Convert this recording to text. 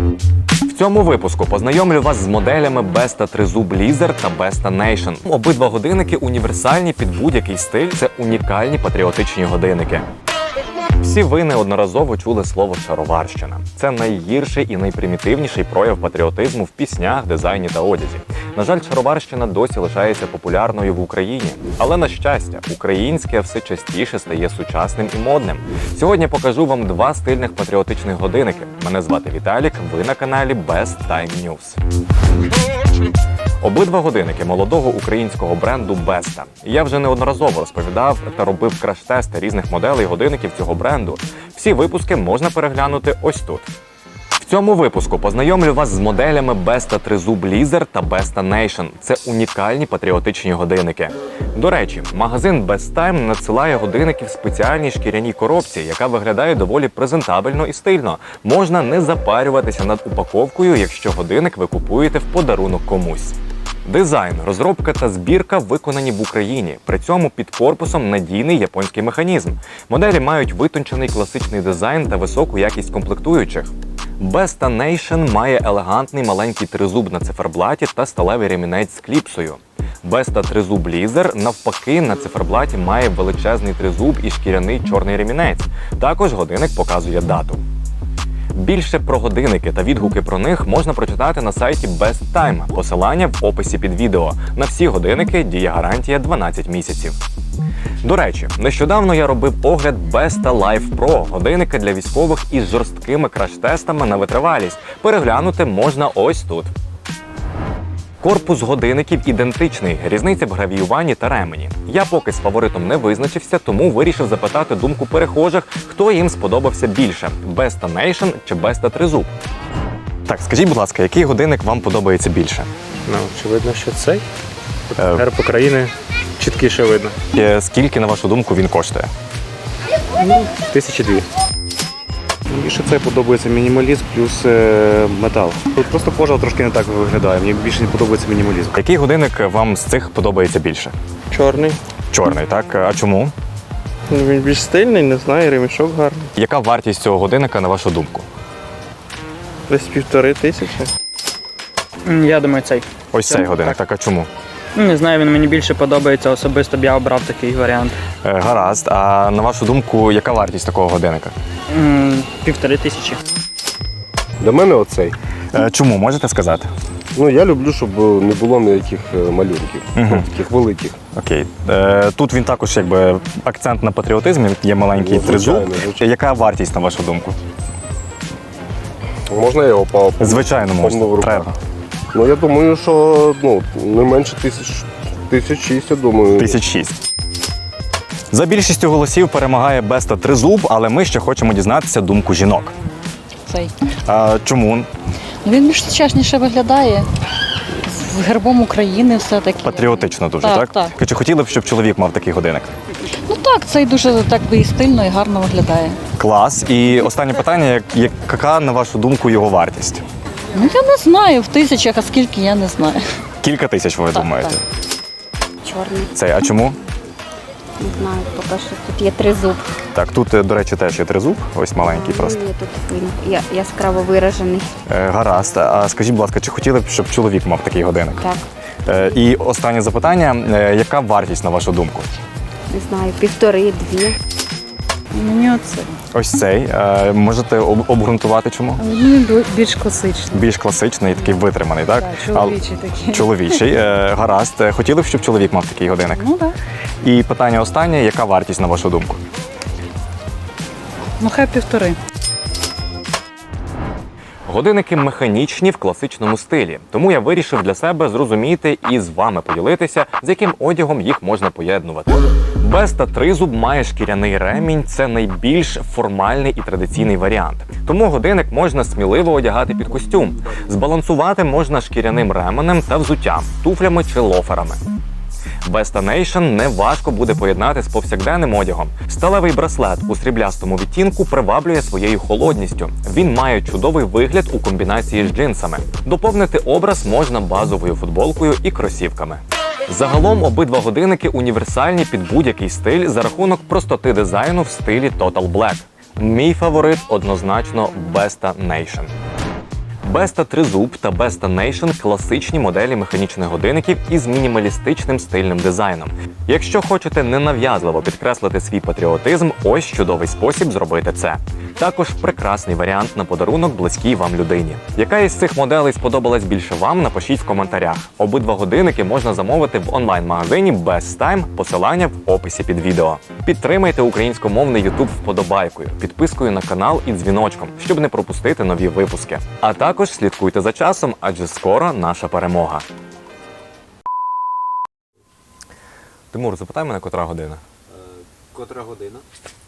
В цьому випуску познайомлю вас з моделями Besta Тризуб Лізер та Besta Nation. Обидва годинники універсальні під будь-який стиль, це унікальні патріотичні годинники. Всі ви неодноразово чули слово «шароварщина». Це найгірший і найпримітивніший прояв патріотизму в піснях, дизайні та одязі. На жаль, шароварщина досі лишається популярною в Україні. Але, на щастя, українське все частіше стає сучасним і модним. Сьогодні покажу вам два стильних патріотичних годинники. Мене звати Віталік, ви на каналі Best Time News. Обидва годинники молодого українського бренду Besta. Я вже неодноразово розповідав та робив краш-тести різних моделей годинників цього бренду. Всі випуски можна переглянути ось тут. В цьому випуску познайомлю вас з моделями Besta Тризуб Лізер та Besta Nation. Це унікальні патріотичні годинники. До речі, магазин Best Time надсилає годинники в спеціальній шкіряній коробці, яка виглядає доволі презентабельно і стильно. Можна не запарюватися над упаковкою, якщо годинник ви купуєте в подарунок комусь. Дизайн, розробка та збірка виконані в Україні. При цьому під корпусом надійний японський механізм. Моделі мають витончений класичний дизайн та високу якість комплектуючих. Besta Nation має елегантний маленький тризуб на циферблаті та сталевий ремінець з кліпсою. Besta Тризуб Лізер, навпаки, на циферблаті має величезний тризуб і шкіряний чорний ремінець. Також годинник показує дату. Більше про годинники та відгуки про них можна прочитати на сайті Best Time. Посилання в описі під відео. На всі годинники діє гарантія 12 місяців. До речі, нещодавно я робив огляд Besta Life Pro – годинника для військових із жорсткими краш-тестами на витривалість. Переглянути можна ось тут. Корпус годинників ідентичний, різниця в гравіюванні та ремені. Я поки з фаворитом не визначився, тому вирішив запитати думку перехожих, хто їм сподобався більше – Besta Nation чи Besta Тризуб. Так, скажіть, будь ласка, який годинник вам подобається більше? Ну, очевидно, що цей. Герб України чіткіше видно. Скільки, на вашу думку, він коштує? 1002. Більше це подобається мінімалізм плюс метал. Тут просто кожа трошки не так виглядає. Мені більше не подобається мінімалізм. Який годинник вам з цих подобається більше? Чорний. Чорний, так? А чому? Він більш стильний, не знаю, ремішок гарний. Яка вартість цього годинника, на вашу думку? Десь 1500. Я думаю, цей. Ось цей годинник, так, а чому? Не знаю, він мені більше подобається, особисто б я обрав такий варіант. Гаразд, а на вашу думку, яка вартість такого годинника? 1500. До мене оцей. Чому, можете сказати? Ну, я люблю, щоб не було ніяких малюнків, таких великих. Окей. Тут він також якби акцент на патріотизмі, є маленький тризуб. звичайно. Яка вартість, на вашу думку? Можна його по Звичайно, можна. Треба. Ну, я думаю, що не менше 1600, я думаю. 1006. За більшістю голосів перемагає Besta Тризуб, але ми ще хочемо дізнатися думку жінок. Цей. Чому? Він більш сучасніше виглядає. З гербом України все-таки. Патріотично дуже, так? Так. Чи хотіли б, щоб чоловік мав такий годинник? Ну так, цей дуже так би і стильно, і гарно виглядає. Клас. І останнє питання, яка, на вашу думку, його вартість? Ну я не знаю, в тисячах, а скільки, я не знаю. Кілька тисяч, ви думаєте? так. Чорний, Цей, а чому? не знаю, поки що тут є тризуб. Так, тут, до речі, теж є тризуб, ось маленький просто. Є тут він яскраво виражений. Гаразд. А скажіть, будь ласка, чи хотіли б, щоб чоловік мав такий годинник? Так, І останнє запитання, яка вартість, на вашу думку? не знаю, 1,5-2. Мені оце. Ось цей. Можете обґрунтувати чому? Він більш класичний. Більш класичний, такий витриманий, так? Чоловічий такий. Чоловічий. Гаразд. Хотіли б, щоб чоловік мав такий годинник? Ну так. І питання останнє, яка вартість, на вашу думку? Ну хай 1,5. Годинники механічні в класичному стилі, тому я вирішив для себе зрозуміти і з вами поділитися, з яким одягом їх можна поєднувати. Besta Тризуб має шкіряний ремінь, це найбільш формальний і традиційний варіант. Тому годинник можна сміливо одягати під костюм. Збалансувати можна шкіряним ременем та взуттям, туфлями чи лоферами. Besta Nation неважко буде поєднати з повсякденним одягом. Сталевий браслет у сріблястому відтінку приваблює своєю холодністю. Він має чудовий вигляд у комбінації з джинсами. Доповнити образ можна базовою футболкою і кросівками. Загалом обидва годинники універсальні під будь-який стиль за рахунок простоти дизайну в стилі Total Black. Мій фаворит однозначно Besta Nation. Besta Тризуб та Besta Nation – класичні моделі механічних годинників із мінімалістичним стильним дизайном. Якщо хочете ненав'язливо підкреслити свій патріотизм, ось чудовий спосіб зробити це. Також прекрасний варіант на подарунок близькій вам людині. Яка із цих моделей сподобалась більше вам, напишіть в коментарях. Обидва годинники можна замовити в онлайн-магазині Best Time, посилання в описі під відео. Підтримайте українськомовний YouTube вподобайкою, підпискою на канал і дзвіночком, щоб не пропустити нові випуски. А також слідкуйте за часом, адже скоро наша перемога. Тимур, запитай мене, котра година? Котра година?